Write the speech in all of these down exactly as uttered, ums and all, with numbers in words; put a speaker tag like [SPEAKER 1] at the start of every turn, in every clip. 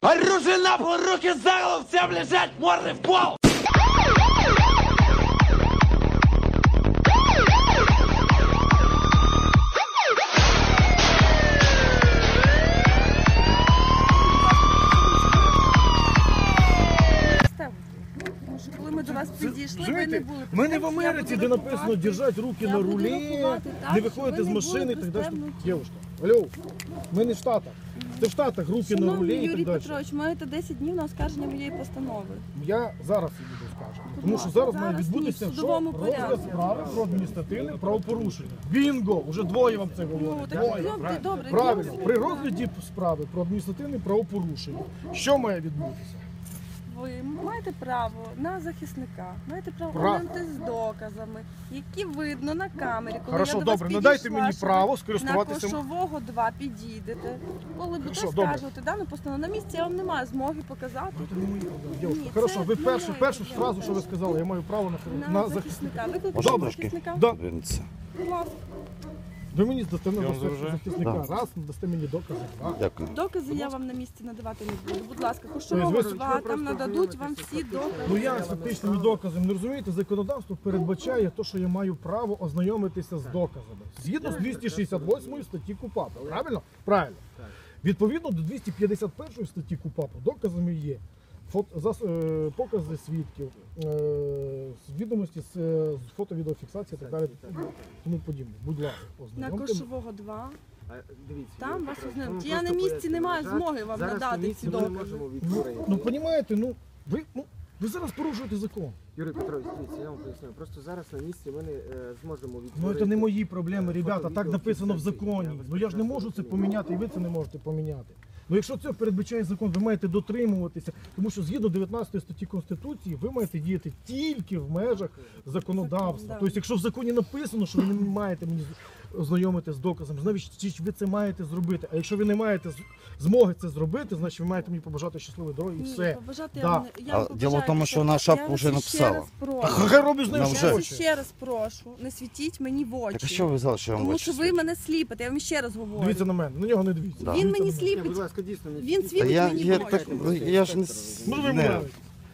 [SPEAKER 1] Оружие на пол, руки за голову, всем лежать, морды в пол!
[SPEAKER 2] Коли ми до вас підійшли, ви не були.
[SPEAKER 3] Ми не в Америці, де написано держать руки на рулі, не виходити з машини і так далі. Дівчинка, алло, ми не в Штатах. Це в Штатах руки на рулі і так далі.
[SPEAKER 2] Юрій Петрович, маєте десять днів на оскарження моєї постанови.
[SPEAKER 3] Я зараз її буду скажу. Тому що зараз має відбутися що? Розгляд справи про адміністративне правопорушення. Бінго! Уже двоє вам це говорять. Двоє.
[SPEAKER 2] Добре,
[SPEAKER 3] правильно. При розгляді справи про адміністративне правопорушення. Що має відбутися?
[SPEAKER 2] Ви маєте право на захисника, маєте право
[SPEAKER 3] Право.
[SPEAKER 2] ознайомитись з доказами, які видно на камері, коли
[SPEAKER 3] Хорошо,
[SPEAKER 2] я до вас
[SPEAKER 3] добре,
[SPEAKER 2] підійшла,
[SPEAKER 3] надайте мені
[SPEAKER 2] що
[SPEAKER 3] право
[SPEAKER 2] ви
[SPEAKER 3] скористуватися-
[SPEAKER 2] на Кошового два підійдете. Коли будете
[SPEAKER 3] Хорошо, добре.
[SPEAKER 2] скажете дану постанову на місці, я вам не маю змоги показати.
[SPEAKER 3] Це не мої проблеми. Дівчинка,
[SPEAKER 2] Ні,
[SPEAKER 3] хорошо,
[SPEAKER 2] це
[SPEAKER 3] ви
[SPEAKER 2] не
[SPEAKER 3] першу,
[SPEAKER 2] мої
[SPEAKER 3] першу
[SPEAKER 2] проблеми.
[SPEAKER 3] фразу, що ви сказали, я маю право на,
[SPEAKER 2] На,
[SPEAKER 3] на захисника.
[SPEAKER 2] захисника. Викликайте
[SPEAKER 3] Добре.
[SPEAKER 2] захисника.
[SPEAKER 3] Да.
[SPEAKER 4] Верніться.
[SPEAKER 2] Будь ласка.
[SPEAKER 3] Ви мені здасте на
[SPEAKER 4] Я вам заважаю?
[SPEAKER 3] захисника.
[SPEAKER 4] Да.
[SPEAKER 3] Раз, надасте мені докази. Два.
[SPEAKER 4] Дякую.
[SPEAKER 2] Докази я вам на місці надавати не буду. Будь ласка,
[SPEAKER 3] Тобто
[SPEAKER 2] Кошового
[SPEAKER 3] ви-
[SPEAKER 2] два, там нададуть вам всі докази.
[SPEAKER 3] Ну я з фактичними доказами, не розумієте, законодавство передбачає те, що я маю право ознайомитися з доказами. Згідно з двісті шістдесят восьмої статті КУпАПу, правильно? Правильно. Відповідно до двісті п'ятдесят першої статті КУпАПу доказами є фото, зас, е, покази свідків, е, відомості з, е, з фото-відеофіксації і так далі, тому подібне. Будь ласка,
[SPEAKER 2] На
[SPEAKER 3] ознайомте.
[SPEAKER 2] Кошового два.
[SPEAKER 5] Дивіться,
[SPEAKER 2] Там вас
[SPEAKER 5] Петрович,
[SPEAKER 2] ознайомлять.
[SPEAKER 5] ми
[SPEAKER 2] Я
[SPEAKER 5] просто
[SPEAKER 2] на місці не маю
[SPEAKER 5] пояснюємо.
[SPEAKER 2] змоги вам
[SPEAKER 5] Зараз
[SPEAKER 2] надати
[SPEAKER 5] на місці
[SPEAKER 2] ці
[SPEAKER 5] ми не
[SPEAKER 2] докази.
[SPEAKER 5] можемо
[SPEAKER 3] Ну,
[SPEAKER 5] відтворити.
[SPEAKER 3] ну, розумієте, ну, ви, ну, ви зараз порушуєте закон.
[SPEAKER 5] Юрій Петрович, дивіться, я вам поясню. Просто зараз на місці ми не е, зможемо
[SPEAKER 3] Ну
[SPEAKER 5] відтворити.
[SPEAKER 3] це не мої проблеми,
[SPEAKER 5] е,
[SPEAKER 3] ребята,
[SPEAKER 5] фото,
[SPEAKER 3] так
[SPEAKER 5] відео,
[SPEAKER 3] написано в
[SPEAKER 5] фіксації.
[SPEAKER 3] законі. Ну я ж не можу це
[SPEAKER 5] прекрасно
[SPEAKER 3] поміняти, і ви це не можете поміняти. Ну якщо це передбачає закон, ви маєте дотримуватися, тому що згідно дев'ятнадцятої статті Конституції ви маєте діяти тільки в межах законодавства.
[SPEAKER 2] Закон, да.
[SPEAKER 3] Тобто, якщо в законі написано, що ви не маєте мені ознайомити з доказом, значить ви це маєте зробити. А якщо ви не маєте з- змоги це зробити, значить ви маєте мені побажати щасливої дороги і
[SPEAKER 2] Ні,
[SPEAKER 3] все.
[SPEAKER 2] побажати
[SPEAKER 3] Да.
[SPEAKER 2] я вам не- я
[SPEAKER 4] А
[SPEAKER 2] вам
[SPEAKER 4] діло в
[SPEAKER 2] побажаю,
[SPEAKER 4] тому, що вона шапку
[SPEAKER 2] я вас
[SPEAKER 4] вже
[SPEAKER 2] ще
[SPEAKER 4] написала.
[SPEAKER 2] раз прошу.
[SPEAKER 3] Та хай робить з нею,
[SPEAKER 4] Нам
[SPEAKER 3] що
[SPEAKER 4] вже.
[SPEAKER 2] Я вас
[SPEAKER 3] хоче.
[SPEAKER 2] ще раз прошу, не світіть мені в очі.
[SPEAKER 4] Так а що ви взяли, що я вам
[SPEAKER 2] Тому
[SPEAKER 4] очі
[SPEAKER 2] що ви
[SPEAKER 4] свічу?
[SPEAKER 2] мене сліпите, я вам ще раз говорю.
[SPEAKER 3] Дивіться на мене, на нього не дивіться.
[SPEAKER 4] Да.
[SPEAKER 2] Він
[SPEAKER 3] Дивіться
[SPEAKER 2] мені
[SPEAKER 3] на мене.
[SPEAKER 5] Ні, будь
[SPEAKER 2] сліпить,
[SPEAKER 5] ласка, дійсно не
[SPEAKER 2] він
[SPEAKER 4] Та
[SPEAKER 2] світить
[SPEAKER 4] я,
[SPEAKER 2] мені
[SPEAKER 4] я,
[SPEAKER 2] в
[SPEAKER 4] так,
[SPEAKER 2] очі.
[SPEAKER 4] я ж не...
[SPEAKER 3] Ну ви
[SPEAKER 4] не-
[SPEAKER 3] мовите.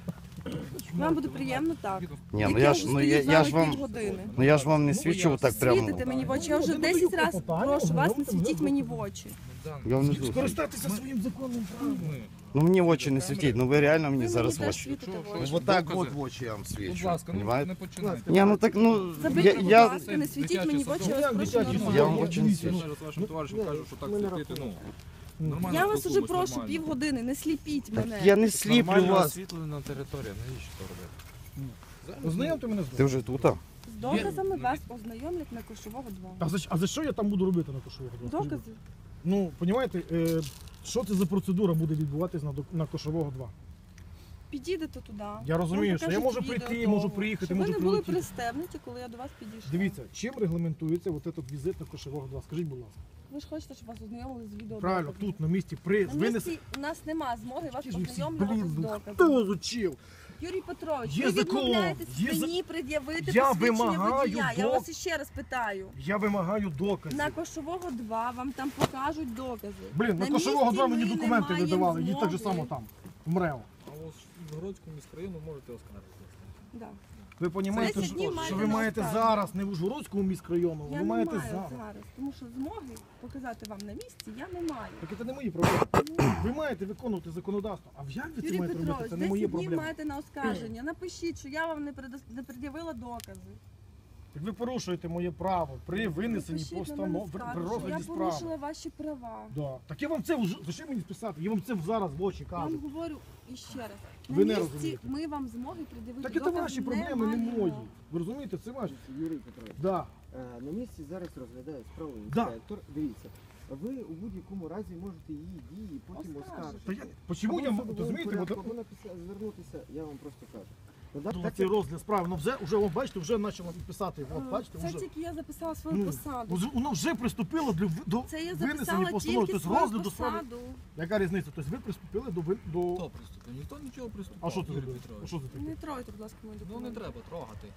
[SPEAKER 2] Вам буде приємно так.
[SPEAKER 4] Ні, ну я ж, ну я, я ж вам,
[SPEAKER 2] години.
[SPEAKER 4] ну я ж вам не свічу так прямо.
[SPEAKER 2] Світите мені в очі, я вже
[SPEAKER 3] Ну,
[SPEAKER 2] десять
[SPEAKER 3] даю
[SPEAKER 2] разів
[SPEAKER 3] клопотання,
[SPEAKER 2] прошу вас, не
[SPEAKER 3] ознайомте
[SPEAKER 2] світіть
[SPEAKER 3] мене
[SPEAKER 2] мені
[SPEAKER 3] з
[SPEAKER 2] в очі.
[SPEAKER 4] Я вам не звучу.
[SPEAKER 3] Скористатися своїм законним правом.
[SPEAKER 4] Ну мені в очі не світіть, ну ви реально мені
[SPEAKER 2] Ви
[SPEAKER 4] зараз в
[SPEAKER 2] теж
[SPEAKER 4] очі.
[SPEAKER 2] світите в
[SPEAKER 4] Ну,
[SPEAKER 2] очі.
[SPEAKER 4] вот так от в очі я вам
[SPEAKER 6] Будь
[SPEAKER 4] свічу.
[SPEAKER 6] ласка, ну
[SPEAKER 4] Понимаєте?
[SPEAKER 6] не починайте.
[SPEAKER 4] Ні, ну так, ну,
[SPEAKER 2] Заберіть,
[SPEAKER 4] я,
[SPEAKER 2] будь
[SPEAKER 4] я,
[SPEAKER 2] ласка, не світіть мені в очі, я
[SPEAKER 3] Ну,
[SPEAKER 2] вас
[SPEAKER 3] як
[SPEAKER 2] прошу
[SPEAKER 3] дитячий
[SPEAKER 2] нормально.
[SPEAKER 4] Я вам
[SPEAKER 3] садок,
[SPEAKER 4] очень
[SPEAKER 3] дивіться,
[SPEAKER 4] свічу.
[SPEAKER 3] ну,
[SPEAKER 6] Ще раз вашим товаришам кажу, що так
[SPEAKER 5] ми не
[SPEAKER 6] світити, ну,
[SPEAKER 3] Ну,
[SPEAKER 6] нормально
[SPEAKER 2] Я вас уже
[SPEAKER 6] спілкуємось,
[SPEAKER 2] прошу
[SPEAKER 6] нормально.
[SPEAKER 2] півгодини, не сліпіть мене.
[SPEAKER 4] я не сліплю вас.
[SPEAKER 6] освітлена територія, навіщо то робити?
[SPEAKER 3] Ознайомте мене з
[SPEAKER 4] Ти
[SPEAKER 3] доказом.
[SPEAKER 4] вже тут, а?
[SPEAKER 2] З доказами вас ознайомлять на Кошового два.
[SPEAKER 3] А за, а за що я там буду робити на Кошового?
[SPEAKER 2] Докази.
[SPEAKER 3] Ну, розумієте, е, що це за процедура буде відбуватись на, до- на Кошового два?
[SPEAKER 2] Підійдете туди.
[SPEAKER 3] Я розумію,
[SPEAKER 2] вам
[SPEAKER 3] що я
[SPEAKER 2] покажуть
[SPEAKER 3] можу
[SPEAKER 2] відео
[SPEAKER 3] прийти,
[SPEAKER 2] того,
[SPEAKER 3] можу приїхати,
[SPEAKER 2] щоб
[SPEAKER 3] можу
[SPEAKER 2] ви не були
[SPEAKER 3] прилетіти.
[SPEAKER 2] пристебнуті, коли я до вас підійшла.
[SPEAKER 3] Дивіться, чим регламентується от этот візит на Кошового два? Скажіть, будь ласка.
[SPEAKER 2] Ви ж хочете, щоб вас ознайомили з відео.
[SPEAKER 3] Правильно, тут на місці при
[SPEAKER 2] На
[SPEAKER 3] винес...
[SPEAKER 2] місці у нас нема змоги вас
[SPEAKER 3] Ті ж ви всі,
[SPEAKER 2] познайомлювати з
[SPEAKER 3] блін,
[SPEAKER 2] доказами.
[SPEAKER 3] хто зучив?
[SPEAKER 2] Юрій Петрович,
[SPEAKER 3] Є
[SPEAKER 2] ви
[SPEAKER 3] закон,
[SPEAKER 2] відмовляєтесь
[SPEAKER 3] є за-
[SPEAKER 2] мені пред'явити
[SPEAKER 3] Я
[SPEAKER 2] посвідчення
[SPEAKER 3] вимагаю
[SPEAKER 2] водія. Я
[SPEAKER 3] док-
[SPEAKER 2] вас іще раз питаю.
[SPEAKER 3] Я вимагаю доказів.
[SPEAKER 2] На Кошового два вам там покажуть докази.
[SPEAKER 3] Блін, на,
[SPEAKER 2] на
[SPEAKER 3] Кошового
[SPEAKER 2] місці
[SPEAKER 3] два мені
[SPEAKER 2] ми не
[SPEAKER 3] документи
[SPEAKER 2] маємо
[SPEAKER 3] видавали, їдь так же
[SPEAKER 2] змоги.
[SPEAKER 3] само там, в МРЕО.
[SPEAKER 6] А ось в Городському міськрайону можете оскаржитися.
[SPEAKER 2] Да.
[SPEAKER 3] Ви розумієте,
[SPEAKER 2] десять
[SPEAKER 3] що,
[SPEAKER 2] днів
[SPEAKER 3] що
[SPEAKER 2] маєте
[SPEAKER 3] ви
[SPEAKER 2] на
[SPEAKER 3] маєте
[SPEAKER 2] оскарження.
[SPEAKER 3] зараз не в Ужгородському міськрайону,
[SPEAKER 2] Я
[SPEAKER 3] ви
[SPEAKER 2] не
[SPEAKER 3] маєте
[SPEAKER 2] маю
[SPEAKER 3] зараз.
[SPEAKER 2] зараз, тому що змоги показати вам на місці я не маю.
[SPEAKER 3] Так це не мої проблеми. Ви маєте виконувати законодавство. А як ви це
[SPEAKER 2] Юрій
[SPEAKER 3] маєте робити?
[SPEAKER 2] Петрович,
[SPEAKER 3] Це не мої
[SPEAKER 2] десять днів
[SPEAKER 3] проблеми.
[SPEAKER 2] маєте на оскарження. Напишіть, що я вам не предос- не пред'явила докази.
[SPEAKER 3] Так ви порушуєте моє право при винесенні
[SPEAKER 2] Напишіть на мене
[SPEAKER 3] постанов, при,
[SPEAKER 2] скаргу,
[SPEAKER 3] при
[SPEAKER 2] що
[SPEAKER 3] розгляді
[SPEAKER 2] Я
[SPEAKER 3] справи.
[SPEAKER 2] порушила ваші права.
[SPEAKER 3] Да. Так я вам це вже, за що мені писати? Я вам це зараз в очі
[SPEAKER 2] Я вам
[SPEAKER 3] кажу.
[SPEAKER 2] говорю іще раз.
[SPEAKER 3] Ви
[SPEAKER 2] На
[SPEAKER 3] не
[SPEAKER 2] місці
[SPEAKER 3] розумієте.
[SPEAKER 2] ми вам змоги пред'явити
[SPEAKER 3] Так це
[SPEAKER 2] докази
[SPEAKER 3] ваші проблеми, не
[SPEAKER 2] маємо.
[SPEAKER 3] мої. Ви розумієте, це ваші.
[SPEAKER 5] Юрій Петрович,
[SPEAKER 3] Да.
[SPEAKER 5] е, на місці зараз розглядає справу
[SPEAKER 3] Да.
[SPEAKER 5] інспектор. Дивіться, ви у будь-якому разі можете її дії потім
[SPEAKER 2] Оскаржити.
[SPEAKER 3] Та
[SPEAKER 5] оскаржити.
[SPEAKER 3] я, чому я,
[SPEAKER 5] Або
[SPEAKER 3] м-
[SPEAKER 5] в
[SPEAKER 3] розумієте,
[SPEAKER 5] судовому
[SPEAKER 3] от,
[SPEAKER 5] порядку, або написати, звернутися, я вам просто кажу. Ну, так,
[SPEAKER 3] от,
[SPEAKER 5] так,
[SPEAKER 3] цей розгляд справи, ну вже, вже, от, бачите, вже почало писати. От, бачите,
[SPEAKER 2] Це
[SPEAKER 3] вже.
[SPEAKER 2] тільки я записала свою
[SPEAKER 3] Ну,
[SPEAKER 2] посаду.
[SPEAKER 3] вже- воно вже приступило до, до
[SPEAKER 2] Це я
[SPEAKER 3] винесення
[SPEAKER 2] записала
[SPEAKER 3] постанови,
[SPEAKER 2] тільки
[SPEAKER 3] тобто
[SPEAKER 2] свою
[SPEAKER 3] розгляду справи.
[SPEAKER 2] посаду.
[SPEAKER 3] Яка різниця? Тобто ви приступили до... ви- до...
[SPEAKER 6] Хто приступив? Ніхто нічого приступав.
[SPEAKER 3] А що це
[SPEAKER 6] Юрій
[SPEAKER 3] таке?
[SPEAKER 6] Петрович.
[SPEAKER 3] А що це таке?
[SPEAKER 2] Не тройте, будь ласка, мої
[SPEAKER 6] Ну
[SPEAKER 2] документи.
[SPEAKER 6] не треба трогати.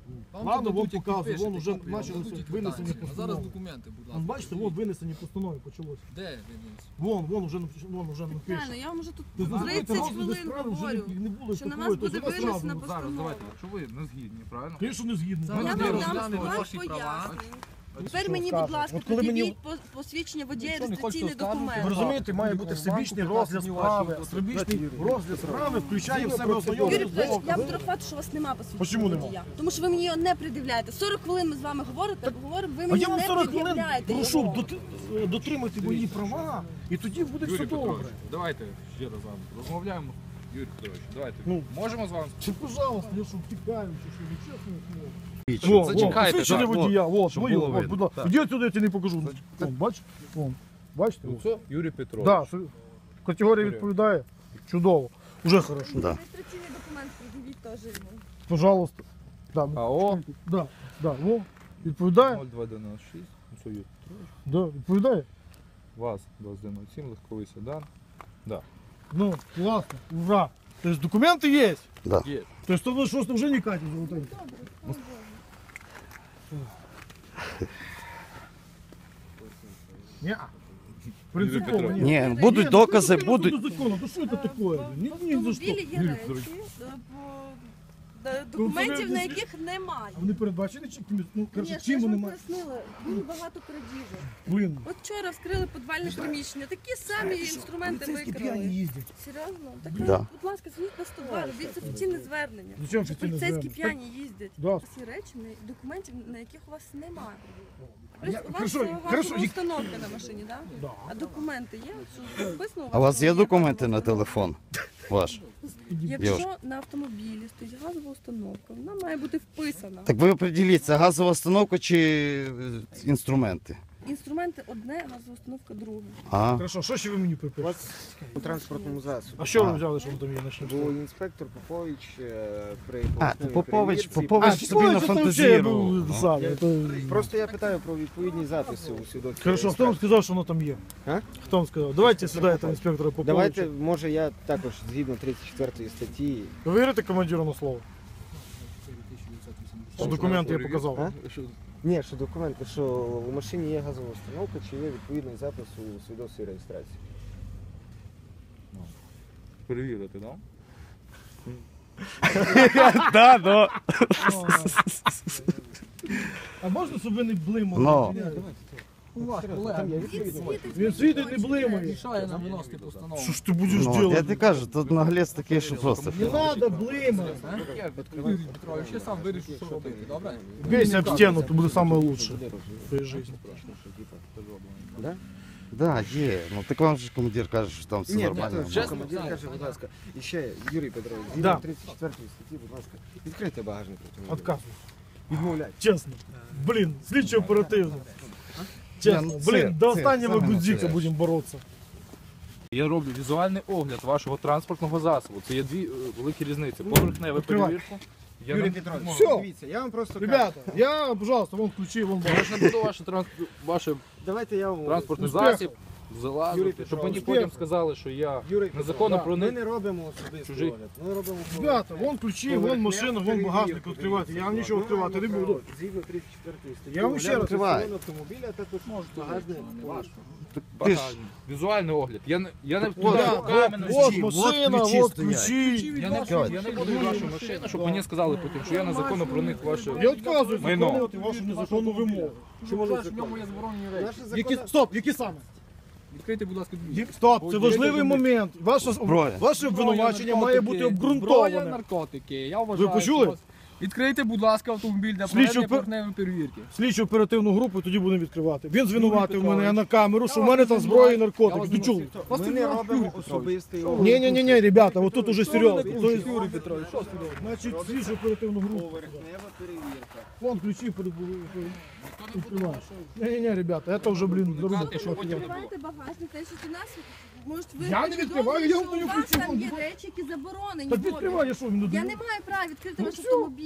[SPEAKER 6] Вам
[SPEAKER 3] Ладно,
[SPEAKER 6] тут
[SPEAKER 3] вон
[SPEAKER 6] дадуть, як
[SPEAKER 3] показує,
[SPEAKER 6] підпишете,
[SPEAKER 3] вон уже
[SPEAKER 6] копію, вам
[SPEAKER 3] почалося
[SPEAKER 6] дадуть
[SPEAKER 3] винесені
[SPEAKER 6] квитанцію. А зараз
[SPEAKER 3] постанови.
[SPEAKER 6] документи, будь ласка.
[SPEAKER 3] Вон, бачите, вон винесені постанови почалося.
[SPEAKER 6] Де винес?
[SPEAKER 3] Вон, вон уже, напиш- вон уже
[SPEAKER 2] Правильно,
[SPEAKER 3] напише.
[SPEAKER 2] я вам вже тут
[SPEAKER 3] Ти зрозумієте,
[SPEAKER 2] тридцять
[SPEAKER 3] розгляду
[SPEAKER 2] хвилин
[SPEAKER 3] справи вже
[SPEAKER 2] говорю,
[SPEAKER 3] не- не було
[SPEAKER 2] що на
[SPEAKER 3] такої,
[SPEAKER 2] вас
[SPEAKER 3] то
[SPEAKER 2] буде
[SPEAKER 3] зараз
[SPEAKER 2] винесена
[SPEAKER 3] зразу.
[SPEAKER 6] Зараз,
[SPEAKER 2] постанова.
[SPEAKER 6] давайте, якщо ви не згідні, правильно?
[SPEAKER 3] Звісно, не згідно.
[SPEAKER 6] Зараз
[SPEAKER 2] Я
[SPEAKER 3] Мене
[SPEAKER 6] ми
[SPEAKER 2] вам
[SPEAKER 3] є-
[SPEAKER 2] дам
[SPEAKER 6] розглянемо
[SPEAKER 2] вам
[SPEAKER 6] ваші права.
[SPEAKER 2] пояснення.
[SPEAKER 3] Що
[SPEAKER 2] Тепер мені,
[SPEAKER 3] скажете?
[SPEAKER 2] будь ласка,
[SPEAKER 3] От коли мені-
[SPEAKER 2] пред'явіть по- посвідчення водія
[SPEAKER 6] Якщо не
[SPEAKER 2] реєстраційний
[SPEAKER 6] хочете
[SPEAKER 2] документ.
[SPEAKER 3] Ви розумієте, має бути всебічний розгляд справи. Всебічний розгляд справи включає в себе
[SPEAKER 2] Юрій
[SPEAKER 3] ознайомлення з
[SPEAKER 2] Петрович, я
[SPEAKER 3] доказами.
[SPEAKER 2] вдруг факт, що у вас нема
[SPEAKER 3] Почему
[SPEAKER 2] посвідчення
[SPEAKER 3] нема?
[SPEAKER 2] водія. Тому що ви мені його не пред'являєте. сорок хвилин ми з вами говорите, говоримо, ви
[SPEAKER 3] А
[SPEAKER 2] мені
[SPEAKER 3] я вам
[SPEAKER 2] не
[SPEAKER 3] сорок хвилин
[SPEAKER 2] пред'являєте
[SPEAKER 3] прошу
[SPEAKER 2] його.
[SPEAKER 3] доти- дотримати мої права, і тоді буде все
[SPEAKER 6] Юрій
[SPEAKER 3] добре.
[SPEAKER 6] Петрович, давайте ще раз з вами розмовляємо. Юрій Петрович, давайте.
[SPEAKER 3] Ну.
[SPEAKER 6] Можемо з вами?
[SPEAKER 3] Чи, пожалуйста, я що втікаю, чи що, ви чесно слово.
[SPEAKER 4] Вічно.
[SPEAKER 3] Во,
[SPEAKER 6] Зачекайте,
[SPEAKER 3] во, посвідчення
[SPEAKER 6] так,
[SPEAKER 3] водія, вот,
[SPEAKER 4] щоб
[SPEAKER 3] моє,
[SPEAKER 4] було
[SPEAKER 3] от,
[SPEAKER 4] видно.
[SPEAKER 3] будь ласка. Іди отсюди, я тебе не покажу. Вон, бач? Вон. Бачите?
[SPEAKER 6] Ну, це Юрій Петрович.
[SPEAKER 3] Да, що категорія відповідає. Чудово. Уже хорошо.
[SPEAKER 4] Да.
[SPEAKER 2] Реєстраційний документ пред'явіть теж йому.
[SPEAKER 3] Пожалуйста. Да,
[SPEAKER 6] АО
[SPEAKER 3] да, да, во. Відповідає?
[SPEAKER 6] нуль два дев'яносто шість. Ну, це Юрій Петрович.
[SPEAKER 3] Да, відповідає?
[SPEAKER 6] ВАЗ двадцять один нуль сім, легковий седан.
[SPEAKER 3] Ну, класно, ура. Тобто документи є?
[SPEAKER 4] Да.
[SPEAKER 6] Є.
[SPEAKER 3] Тобто то що вже не катить золотий. Ні. Принципово
[SPEAKER 6] Петрович.
[SPEAKER 3] ні.
[SPEAKER 4] Ні, будуть
[SPEAKER 3] Ні,
[SPEAKER 4] докази,
[SPEAKER 3] ну,
[SPEAKER 4] будуть.
[SPEAKER 3] ну, закону, ну що це таке? Ні,
[SPEAKER 2] В
[SPEAKER 3] ні, за що.
[SPEAKER 2] автомобілі є речі, е, по- е, документів на яких немає.
[SPEAKER 3] А вони передбачені чи кимось? Ну,
[SPEAKER 2] Ні,
[SPEAKER 3] коротше,
[SPEAKER 2] я
[SPEAKER 3] чим
[SPEAKER 2] ж
[SPEAKER 3] вони
[SPEAKER 2] вам
[SPEAKER 3] мають?
[SPEAKER 2] пояснила, дуже багато крадіжок.
[SPEAKER 3] Блин.
[SPEAKER 2] От вчора вскрили підвальне приміщення, такі самі інструменти
[SPEAKER 3] Поліцейські
[SPEAKER 2] викрали.
[SPEAKER 3] п'яні їздять.
[SPEAKER 2] Серйозно? Так,
[SPEAKER 4] Да.
[SPEAKER 2] ви, будь ласка, дзвоніть на сто два, робіть офіційне звернення.
[SPEAKER 3] Зачем
[SPEAKER 2] Що
[SPEAKER 3] офіційне
[SPEAKER 2] поліцейські
[SPEAKER 3] звернення?
[SPEAKER 2] п'яні їздять.
[SPEAKER 3] Да.
[SPEAKER 2] Всі речі, на- документів, на яких у вас немає.
[SPEAKER 3] Я-
[SPEAKER 2] У вас
[SPEAKER 3] хорошо,
[SPEAKER 2] газова
[SPEAKER 3] хорошо, як-
[SPEAKER 2] установка на машині, так?
[SPEAKER 3] Да.
[SPEAKER 2] А документи є? Що написано
[SPEAKER 4] А у вас є
[SPEAKER 2] що
[SPEAKER 4] документи
[SPEAKER 2] газова
[SPEAKER 4] на телефон ваш?
[SPEAKER 2] Якщо на автомобілі стоїть газова установка, вона має бути вписана.
[SPEAKER 4] Так ви определіться, газова установка чи е, інструменти?
[SPEAKER 2] Інструменти одне, газова установка друге.
[SPEAKER 4] А,
[SPEAKER 3] Хорошо, що ще ви мені
[SPEAKER 5] У
[SPEAKER 3] припишете?
[SPEAKER 5] вас у транспортному засобі.
[SPEAKER 3] А що ви
[SPEAKER 4] А.
[SPEAKER 3] взяли, що ви там є начнемо?
[SPEAKER 5] Бо інспектор Попович е, при
[SPEAKER 4] а
[SPEAKER 5] поверхневій
[SPEAKER 4] ти Попович,
[SPEAKER 5] перевірці-
[SPEAKER 4] Попович собі нафантазірував.
[SPEAKER 3] саме.
[SPEAKER 5] Просто я питаю про відповідні записи у свідоцтві.
[SPEAKER 3] Хорошо, хто вам сказав, що воно там є?
[SPEAKER 5] А?
[SPEAKER 3] Хто вам сказав? Давайте сюди этого інспектора Поповича.
[SPEAKER 5] Давайте, може, я також згідно тридцять четвертої статті.
[SPEAKER 3] Ви вірите командиру на слово? Що документи я показав?
[SPEAKER 5] А? Ні, що документи, що у машині є газова установка, чи є відповідний запис у свідоцтві реєстрації.
[SPEAKER 6] Перевірити, так?
[SPEAKER 4] Да, да.
[SPEAKER 3] А можна, щоб ви не блимали?
[SPEAKER 4] Ну.
[SPEAKER 3] Він світить, не блимає.
[SPEAKER 6] Мішає нам виносити постанову.
[SPEAKER 3] Що ж ти будеш
[SPEAKER 4] Ну, я
[SPEAKER 3] робити?
[SPEAKER 4] тобі кажу, тут наглець такий, що просто.
[SPEAKER 3] Не треба блимати.
[SPEAKER 6] Юрій Петрович, я сам вирішу, що робити, добре?
[SPEAKER 3] Бейся об стену, то буде саме лучше в своїй житті.
[SPEAKER 5] Да?
[SPEAKER 4] Да, є. Ну так вам же командир каже, що там все
[SPEAKER 5] Ні,
[SPEAKER 4] нормально.
[SPEAKER 5] так, чесно, командир каже, будь ласка. І ще, Юрій Петрович,
[SPEAKER 3] Да.
[SPEAKER 5] згідно тридцять четвертої статті, будь ласка, відкрийте багажник автомобіля.
[SPEAKER 3] Отказуй.
[SPEAKER 5] Відмовляйте.
[SPEAKER 3] Чесно. Блін, слідчо оперативно. Чесно.
[SPEAKER 4] Ні, ну, це-
[SPEAKER 3] Блін, до
[SPEAKER 4] це
[SPEAKER 3] останнього
[SPEAKER 4] саме
[SPEAKER 3] гудзика
[SPEAKER 4] настояще.
[SPEAKER 3] будемо боротися.
[SPEAKER 6] Я роблю візуальний огляд вашого транспортного засобу. Це є дві е, великі різниці. Поверхневу
[SPEAKER 3] Відкривай.
[SPEAKER 6] перевірку. Я
[SPEAKER 5] Юрій
[SPEAKER 6] не
[SPEAKER 5] Петрович,
[SPEAKER 6] можу.
[SPEAKER 3] Всьо.
[SPEAKER 5] дивіться, я вам просто кажу.
[SPEAKER 3] Ребята, я, пожалуйста, вон ключі, вон
[SPEAKER 6] Я ж не буду ваше, транс... ваше
[SPEAKER 5] Давайте я вам...
[SPEAKER 6] транспортний
[SPEAKER 3] Успіху.
[SPEAKER 6] засіб
[SPEAKER 5] Юрій
[SPEAKER 6] залазити,
[SPEAKER 5] Петрович,
[SPEAKER 6] щоб мені
[SPEAKER 3] успіху.
[SPEAKER 6] потім сказали, що я
[SPEAKER 5] Юрій Петрович,
[SPEAKER 6] незаконно
[SPEAKER 5] да,
[SPEAKER 6] проник.
[SPEAKER 5] Ми не робимо особистий
[SPEAKER 6] Чужий.
[SPEAKER 5] огляд, ми робимо...
[SPEAKER 3] Ребята, вон ключі, вон машина, вон багажник відкривати. Я вам нічого відкривати не буду.
[SPEAKER 5] Згідно тридцять четвертої статті.
[SPEAKER 3] Я вам ще раз
[SPEAKER 4] відкриваю.
[SPEAKER 5] Салон автомобіля також багажник. ваш.
[SPEAKER 4] Ти ж
[SPEAKER 6] Візуальний огляд. Я не, я не
[SPEAKER 3] Да,
[SPEAKER 6] туди
[SPEAKER 3] вот,
[SPEAKER 6] руками не
[SPEAKER 3] вот
[SPEAKER 4] ключі,
[SPEAKER 3] машина,
[SPEAKER 4] вот ключі
[SPEAKER 3] вот
[SPEAKER 4] стоять.
[SPEAKER 3] ключі.
[SPEAKER 6] Я не, я не буду в вашу машину, щоб мені сказали потім, що я незаконно проник в ваше.
[SPEAKER 3] Я відказуюсь
[SPEAKER 6] Майно.
[SPEAKER 3] виконувати вашу незаконну вимогу.
[SPEAKER 5] Чому не
[SPEAKER 6] в ньому є заборонені речі.
[SPEAKER 5] Наше
[SPEAKER 3] Які,
[SPEAKER 5] законодавство-
[SPEAKER 3] стоп, які саме?
[SPEAKER 6] Відкрийте, будь ласка, двері.
[SPEAKER 3] Ї- Стоп, це важливий момент. Ваше,
[SPEAKER 4] Зброя.
[SPEAKER 3] ваше обвинувачення має бути
[SPEAKER 7] Зброя,
[SPEAKER 3] обґрунтоване.
[SPEAKER 7] наркотики. Я вважаю,
[SPEAKER 3] Ви почули?
[SPEAKER 7] що вас- Відкрийте, будь ласка, автомобіль для
[SPEAKER 3] Слідчу
[SPEAKER 7] проведення
[SPEAKER 3] пер-
[SPEAKER 7] поверхневої перевірки.
[SPEAKER 3] Слідчу оперативну групу тоді будемо відкривати. Він звинуватив
[SPEAKER 7] Юрій
[SPEAKER 3] мене
[SPEAKER 7] Петрович,
[SPEAKER 3] на камеру, що в
[SPEAKER 7] я
[SPEAKER 3] мене
[SPEAKER 7] вас
[SPEAKER 3] там
[SPEAKER 7] не
[SPEAKER 3] зброя і
[SPEAKER 7] знаю. Я
[SPEAKER 3] наркотики.
[SPEAKER 7] вас
[SPEAKER 3] Ви
[SPEAKER 7] не
[SPEAKER 3] чули?
[SPEAKER 7] знаю.
[SPEAKER 5] Ми не
[SPEAKER 7] Юрій
[SPEAKER 5] робимо
[SPEAKER 7] Петрович.
[SPEAKER 5] особистий
[SPEAKER 3] Ні,
[SPEAKER 5] огляд.
[SPEAKER 3] ні, ні, ні, ребята, от тут уже серйозно.
[SPEAKER 7] Що ви
[SPEAKER 3] То
[SPEAKER 7] не
[SPEAKER 3] есть,
[SPEAKER 7] Юрій Петрович, що серйозно?
[SPEAKER 3] Значить, слідчу оперативну групу.
[SPEAKER 5] Поверхнева перевірка.
[SPEAKER 3] Вон ключі перед відкриваєш. Ні, ні, ні, ребята, це вже, блін, заруба.
[SPEAKER 2] Відкривайте багажник, те, що у нас, може, ви
[SPEAKER 3] Я не відкриваю, я вам
[SPEAKER 2] що у
[SPEAKER 3] даю
[SPEAKER 2] вас
[SPEAKER 3] ключі,
[SPEAKER 2] там
[SPEAKER 3] вон.
[SPEAKER 2] є речі, які заборонені.
[SPEAKER 3] Так
[SPEAKER 2] вводити.
[SPEAKER 3] відкривай, я що, він
[SPEAKER 2] Я
[SPEAKER 3] даю?
[SPEAKER 2] не маю права відкрити
[SPEAKER 3] Ну
[SPEAKER 2] ваш
[SPEAKER 3] все.
[SPEAKER 2] автомобіль.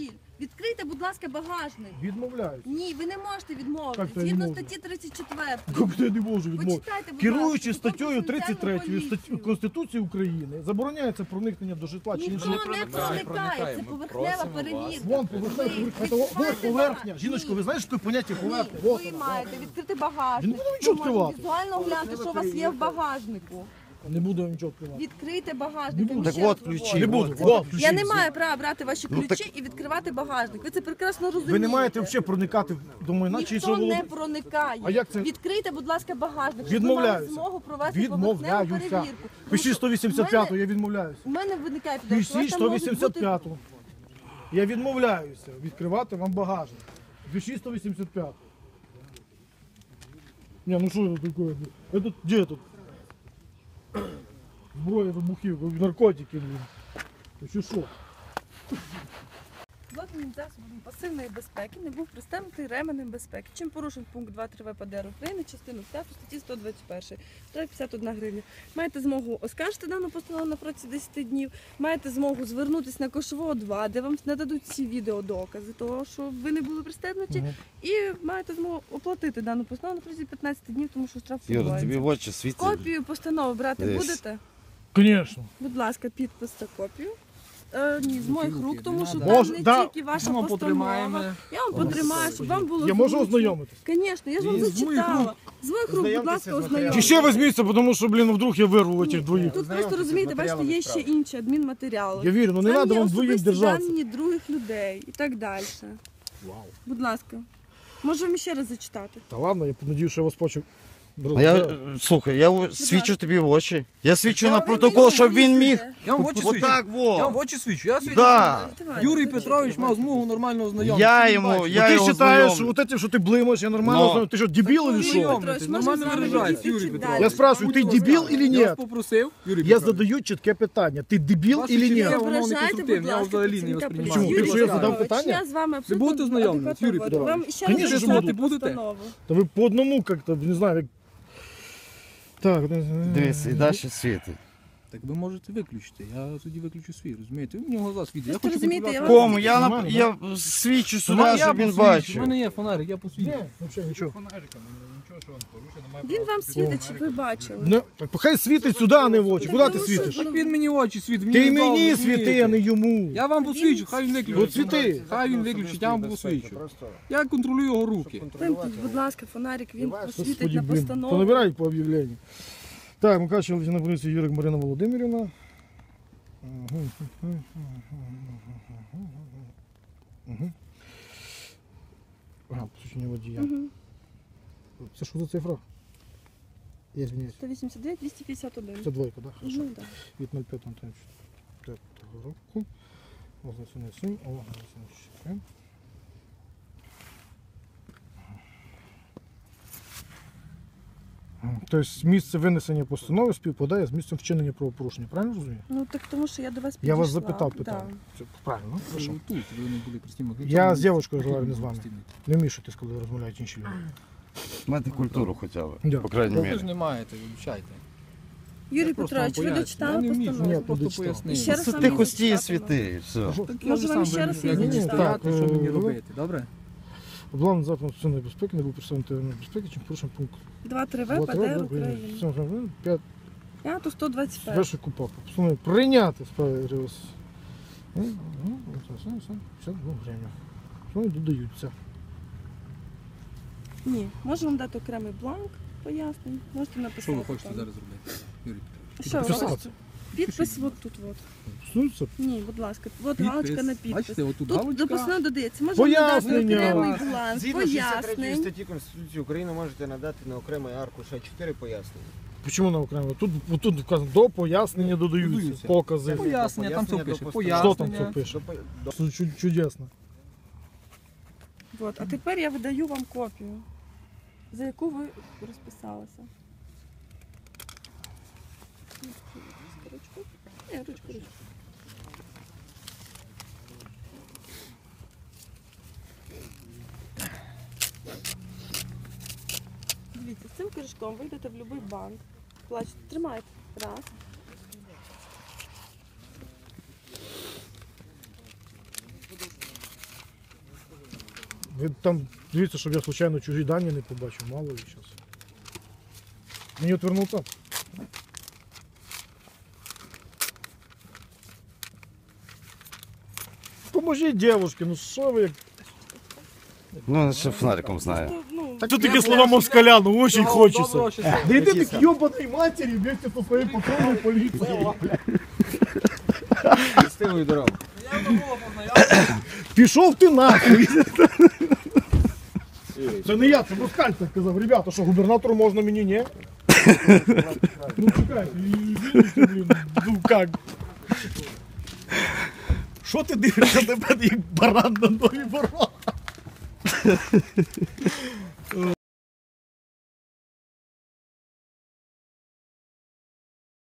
[SPEAKER 2] Відкрийте, будь ласка, багажник.
[SPEAKER 3] Відмовляюсь.
[SPEAKER 2] Ні, ви не можете відмовити.
[SPEAKER 3] Як то я
[SPEAKER 2] Згідно
[SPEAKER 3] не можу?
[SPEAKER 2] статті тридцять четвертої.
[SPEAKER 3] Як я не можу відмовити?
[SPEAKER 2] Почитайте, будь
[SPEAKER 3] Керуючи
[SPEAKER 2] ласка,
[SPEAKER 3] статтею
[SPEAKER 2] Закон про
[SPEAKER 3] тридцять третьою
[SPEAKER 2] національну
[SPEAKER 3] статті
[SPEAKER 2] поліцію.
[SPEAKER 3] Конституції України забороняється проникнення до житла чи
[SPEAKER 2] Ніхто
[SPEAKER 3] інших.
[SPEAKER 2] не
[SPEAKER 6] проникає,
[SPEAKER 2] проникає, це
[SPEAKER 6] ми
[SPEAKER 2] поверхнева
[SPEAKER 6] просимо вас.
[SPEAKER 2] перевірка.
[SPEAKER 3] Вон поверхня,
[SPEAKER 2] Ви
[SPEAKER 3] поверхня, це от
[SPEAKER 2] відкриваєте
[SPEAKER 3] поверхня.
[SPEAKER 2] багажник.
[SPEAKER 3] Жіночко, ви знаєте, що таке поняття
[SPEAKER 2] Ні,
[SPEAKER 3] поверхня? Вот
[SPEAKER 2] ви
[SPEAKER 3] вона.
[SPEAKER 2] маєте відкрити багажник.
[SPEAKER 3] Не буду нічого
[SPEAKER 2] Ви можете
[SPEAKER 3] відкривати.
[SPEAKER 2] візуально оглянути, що у вас є в багажнику.
[SPEAKER 3] Не буду я нічого відкривати.
[SPEAKER 2] Відкрийте багажник. я вам
[SPEAKER 4] Так
[SPEAKER 2] ще
[SPEAKER 4] от
[SPEAKER 2] раз
[SPEAKER 4] ключі.
[SPEAKER 2] говорю.
[SPEAKER 3] Не буду.
[SPEAKER 4] Вот.
[SPEAKER 3] Вот, ключі
[SPEAKER 2] Я не
[SPEAKER 3] всі.
[SPEAKER 2] маю права брати ваші
[SPEAKER 4] Ну,
[SPEAKER 2] ключі і відкривати багажник. Ви це прекрасно розумієте.
[SPEAKER 3] Ви не маєте взагалі проникати до майна чи
[SPEAKER 2] Ніхто
[SPEAKER 3] іншого
[SPEAKER 2] не
[SPEAKER 3] володіння.
[SPEAKER 2] проникає.
[SPEAKER 3] А як це?
[SPEAKER 2] Відкрийте, будь ласка, багажник, щоб ви
[SPEAKER 3] Відмовляюся.
[SPEAKER 2] мали змогу провести поверхневу
[SPEAKER 3] Відмовляюся.
[SPEAKER 2] перевірку. Тому
[SPEAKER 3] Пишіть
[SPEAKER 2] що
[SPEAKER 3] сто вісімдесят п'яту, я відмовляюся.
[SPEAKER 2] У мене виникає підозра, що у вас
[SPEAKER 3] Пишіть
[SPEAKER 2] там можуть
[SPEAKER 3] сто вісімдесят
[SPEAKER 2] бути-
[SPEAKER 3] п'яту. Я відмовляюся відкривати вам багажник. Пишіть сто вісімдесят п'яту. Не, ну що це таке? Это де тут? Зброя, вибухівка, наркотики, блін. Ну чи що?
[SPEAKER 2] Злочинним засобом пасивної безпеки не був пристебнутий ременем безпеки. Чим порушив пункт два три ВПД України, частину п'яту статті сто двадцять один, штраф п'ятдесят одна гривня. Маєте змогу оскаржити дану постанову на протязі десяти днів, маєте змогу звернутися на Кошового два, де вам нададуть всі відеодокази того, що ви не були пристебнуті,
[SPEAKER 3] Мгм.
[SPEAKER 2] і маєте змогу оплатити дану постанову на протязі п'ятнадцяти днів, тому що штраф
[SPEAKER 4] Юра, тобі
[SPEAKER 2] відбувається.
[SPEAKER 4] в очі світить.
[SPEAKER 2] Копію постанови брати
[SPEAKER 4] Десь.
[SPEAKER 2] будете?
[SPEAKER 3] Звісно.
[SPEAKER 2] Будь ласка, підпис та копію. Е, ні, з моїх
[SPEAKER 7] Руки,
[SPEAKER 2] рук, тому
[SPEAKER 7] не
[SPEAKER 2] що
[SPEAKER 7] надо.
[SPEAKER 2] там
[SPEAKER 3] Може,
[SPEAKER 2] не
[SPEAKER 3] да.
[SPEAKER 2] тільки ваша
[SPEAKER 7] Ми вам
[SPEAKER 2] постанова.
[SPEAKER 7] потримаємо.
[SPEAKER 2] Я вам потримаю, щоб вам було
[SPEAKER 3] Я можу
[SPEAKER 2] зручно.
[SPEAKER 3] ознайомитись?
[SPEAKER 2] Звісно, я ж вам
[SPEAKER 7] З моїх
[SPEAKER 2] зачитала. З моїх рук, будь
[SPEAKER 5] Ознайомтеся
[SPEAKER 2] ласка,
[SPEAKER 5] з матеріалом.
[SPEAKER 3] Чи
[SPEAKER 2] ознайомтесь.
[SPEAKER 3] ще візьміться, тому що, блін, вдруг я вирву цих двоїх.
[SPEAKER 2] Тут просто розумієте, бачите, є ще інші адмінматеріали.
[SPEAKER 3] Я вірю, ну не
[SPEAKER 2] Там
[SPEAKER 3] треба
[SPEAKER 2] є
[SPEAKER 3] вам двоїм
[SPEAKER 2] особисті
[SPEAKER 3] держатися.
[SPEAKER 2] дані других людей і так далі. Будь ласка. Можу вам ще раз зачитати.
[SPEAKER 3] Та ладно, я надію, що я вас почув.
[SPEAKER 4] А я, е, слухай, я в- свічу тобі в очі. Я свічу на
[SPEAKER 2] Ви
[SPEAKER 4] протокол,
[SPEAKER 2] мені
[SPEAKER 4] щоб він міг.
[SPEAKER 2] пояснюєте.
[SPEAKER 7] Я вам в очі свічу.
[SPEAKER 4] Отак
[SPEAKER 7] Я вам в
[SPEAKER 4] во.
[SPEAKER 7] очі свічу. Я свічу.
[SPEAKER 4] Да.
[SPEAKER 2] Давайте,
[SPEAKER 7] Юрій
[SPEAKER 2] зачитуйте.
[SPEAKER 7] Петрович мав змогу нормально ознайомитися.
[SPEAKER 4] Я
[SPEAKER 7] Він
[SPEAKER 4] йому,
[SPEAKER 7] бачить.
[SPEAKER 4] я
[SPEAKER 3] ти
[SPEAKER 4] його
[SPEAKER 3] вважаєш, що
[SPEAKER 4] знайомлю.
[SPEAKER 3] от це, що ти блимаєш, я нормально
[SPEAKER 4] Но.
[SPEAKER 3] знаю. Ти що, дебіл
[SPEAKER 2] Юрій
[SPEAKER 3] или що?
[SPEAKER 2] Петрович,
[SPEAKER 7] Знайомитись,
[SPEAKER 2] можемо
[SPEAKER 7] нормально
[SPEAKER 2] з вами
[SPEAKER 7] виражається,
[SPEAKER 2] відійти
[SPEAKER 7] Юрій
[SPEAKER 2] чуть
[SPEAKER 7] Петрович.
[SPEAKER 2] далі.
[SPEAKER 3] Я спрашиваю, ти
[SPEAKER 7] Будь
[SPEAKER 3] дебіл
[SPEAKER 7] ласка.
[SPEAKER 3] или
[SPEAKER 7] Я
[SPEAKER 3] ні?
[SPEAKER 7] вас попросив, Юрій
[SPEAKER 3] Я
[SPEAKER 7] Петрович.
[SPEAKER 3] задаю чітке питання. Ти дебіл
[SPEAKER 7] Ваші
[SPEAKER 3] или ні?
[SPEAKER 7] чотири
[SPEAKER 2] Не
[SPEAKER 7] воно не
[SPEAKER 2] ображайте,
[SPEAKER 7] конструктивне,
[SPEAKER 2] будь
[SPEAKER 7] я
[SPEAKER 2] ласка,
[SPEAKER 7] взагалі не
[SPEAKER 2] працівника
[SPEAKER 7] восприймаю.
[SPEAKER 2] поліції.
[SPEAKER 3] Чому? Ти що, я задав
[SPEAKER 2] Петрович,
[SPEAKER 3] питання?
[SPEAKER 2] Я з вами абсолютно
[SPEAKER 7] будете ознайомлені,
[SPEAKER 2] адекватно
[SPEAKER 7] Юрій
[SPEAKER 2] говорю.
[SPEAKER 7] Петрович?
[SPEAKER 2] Вам ще
[SPEAKER 3] Конечно
[SPEAKER 2] раз
[SPEAKER 3] же
[SPEAKER 2] зачитати
[SPEAKER 7] буду.
[SPEAKER 2] постанову.
[SPEAKER 3] Та ви по одному як-то, не знаю, як... Так,
[SPEAKER 4] Дивись, і далі світить.
[SPEAKER 7] Так ви можете виключити. Я тоді виключу свій, розумієте? Ви мені глаза світить. Я
[SPEAKER 2] Ви
[SPEAKER 7] хочу
[SPEAKER 2] розумієте, я
[SPEAKER 7] контролювати.
[SPEAKER 4] Кому? Я,
[SPEAKER 3] Нормально,
[SPEAKER 4] нап- я свічу сюди,
[SPEAKER 7] Я
[SPEAKER 4] щоб він
[SPEAKER 7] посвідчу.
[SPEAKER 4] бачив.
[SPEAKER 7] У мене є фонарик, я посвідчу.
[SPEAKER 3] Ні, взагалі нічого.
[SPEAKER 6] Фонариками, нічого, що він порушує, немає
[SPEAKER 2] Він
[SPEAKER 6] права
[SPEAKER 2] вам
[SPEAKER 6] світити.
[SPEAKER 2] світить, щоб ви бачили.
[SPEAKER 3] Не, так хай світить сюди, а не в очі. Куди ти світиш?
[SPEAKER 7] Так він мені в очі світить.
[SPEAKER 3] Ти
[SPEAKER 7] не дав,
[SPEAKER 3] мені
[SPEAKER 7] розумієте?
[SPEAKER 3] світи, а не йому.
[SPEAKER 7] Я вам посвідчу, хай він виключить.
[SPEAKER 3] От світи.
[SPEAKER 7] Хай він виключить, я вам посвідчу.
[SPEAKER 5] Просто
[SPEAKER 7] Я контролюю його руки.
[SPEAKER 2] Вимкніть, будь ласка, фонарик, він посвітить
[SPEAKER 3] Господи,
[SPEAKER 2] на
[SPEAKER 3] блін,
[SPEAKER 2] постанову.
[SPEAKER 3] понабирають по об'явленню. Так, Мукачева лейтенант поліції Юрик Марина Володимирівна. Угу. Угу. Ага, посвідчення водія.
[SPEAKER 2] Мгм.
[SPEAKER 3] Це що за цифра? Я звиняюсь.
[SPEAKER 2] сто вісімдесят дев'ять двісті п'ятдесят один.
[SPEAKER 3] Це двойка, так? Да?
[SPEAKER 2] Ну, так.
[SPEAKER 3] Від ноль п'ятого року. Означення сім, о, означення. Тобто місце винесення постанови співпадає з місцем вчинення правопорушення, правильно розумію?
[SPEAKER 2] Ну так тому що я до вас
[SPEAKER 3] Я вас
[SPEAKER 2] підійшла.
[SPEAKER 3] запитав
[SPEAKER 2] Да.
[SPEAKER 3] питання. Це правильно, хорошо.
[SPEAKER 7] Ви тут, ви не були простими.
[SPEAKER 3] Я з дівчинкою розмовляю, не з вами. Не вмішуйтесь, коли розмовляють інші люди.
[SPEAKER 4] Мати культуру хоча б,
[SPEAKER 3] Да.
[SPEAKER 4] по крайній
[SPEAKER 7] Ви ж
[SPEAKER 4] мірі.
[SPEAKER 7] не маєте, вибачайте.
[SPEAKER 2] Юрій
[SPEAKER 7] Я просто вам
[SPEAKER 2] Петрович, ви
[SPEAKER 7] пояснюю.
[SPEAKER 2] дочитали
[SPEAKER 7] Я не вмію,
[SPEAKER 2] постанову?
[SPEAKER 3] Ні,
[SPEAKER 7] я просто
[SPEAKER 3] дочитав.
[SPEAKER 7] пояснив.
[SPEAKER 2] Ще раз
[SPEAKER 4] Це
[SPEAKER 2] вам
[SPEAKER 4] ти
[SPEAKER 2] не
[SPEAKER 4] хості
[SPEAKER 2] зачитати,
[SPEAKER 4] світи, і все.
[SPEAKER 7] Так я
[SPEAKER 2] Може,
[SPEAKER 7] вже
[SPEAKER 2] вам
[SPEAKER 7] сам
[SPEAKER 2] ще раз
[SPEAKER 7] вирішую,
[SPEAKER 2] її
[SPEAKER 7] як мені
[SPEAKER 2] зачитати?
[SPEAKER 7] стояти, що мені
[SPEAKER 3] Так,
[SPEAKER 7] робити, добре?
[SPEAKER 3] Облавний заклад національної безпеки не був представлений територіальної безпеки, чим порушив пункт
[SPEAKER 2] два три
[SPEAKER 3] два
[SPEAKER 2] ВПД України.
[SPEAKER 3] п'ять
[SPEAKER 2] п'ять сто двадцять п'ять.
[SPEAKER 3] перший купак. Постановив прийняти справи РС. п'ятдесят два гривня. Вони додаються.
[SPEAKER 2] Ні, можу вам дати окремий бланк пояснень. Можете написати.
[SPEAKER 7] Що ви хочете
[SPEAKER 2] там.
[SPEAKER 7] зараз зробити, Юрій Петрович?
[SPEAKER 2] Що ви
[SPEAKER 3] Підписати.
[SPEAKER 2] хочете? Підпис от тут от.
[SPEAKER 3] Стосується
[SPEAKER 2] Ні, будь ласка, от
[SPEAKER 7] Підпис.
[SPEAKER 2] галочка на підпис.
[SPEAKER 7] Бачите, отут
[SPEAKER 2] Тут
[SPEAKER 7] галочка.
[SPEAKER 2] до постанови додається. Можна надати
[SPEAKER 3] Пояснення.
[SPEAKER 2] окремий бланк,
[SPEAKER 5] згідно шістдесят третьої
[SPEAKER 2] пояснень.
[SPEAKER 5] статті Конституції України можете надати на окремий аркуш А чотири пояснення.
[SPEAKER 3] Чому на окремо? Тут, тут вказано, до пояснення додаються,
[SPEAKER 7] Додаються.
[SPEAKER 3] покази.
[SPEAKER 7] Пояснення, там все
[SPEAKER 5] Пояснення
[SPEAKER 7] пише.
[SPEAKER 5] до
[SPEAKER 3] Що там
[SPEAKER 7] Пояснення.
[SPEAKER 3] це пише?
[SPEAKER 5] До по- до-
[SPEAKER 3] Це чу- чудесно.
[SPEAKER 2] От, а тепер я видаю вам копію, за яку ви розписалися. Ручку? Ні, ручку, ручку. Дивіться, з цим кишком ви йдете в будь-який банк, плачете, тримайте, раз.
[SPEAKER 3] Ви там дивіться, щоб я случайно чужі дані не побачив, мало ли зараз. Мені отвернуться? Поможіть дівчинки, ну що ви як.
[SPEAKER 4] Ну, ще фонариком знаю.
[SPEAKER 2] Ну,
[SPEAKER 3] Так тут такі слова москаля, ну очень хочеться.
[SPEAKER 6] Доброго, щасливого.
[SPEAKER 3] Да йди ти к ёбаной матері вместе со своєю патрульною поліцією.
[SPEAKER 5] Щасливої дороги.
[SPEAKER 3] Пішов ти нахуй. Це не я, це Москаль так казав. Ребята, що губернатору можна, мені ні? Ну чекайте, извините, блін, ну как? Що ти дивишся на мене, як баран на нові ворота?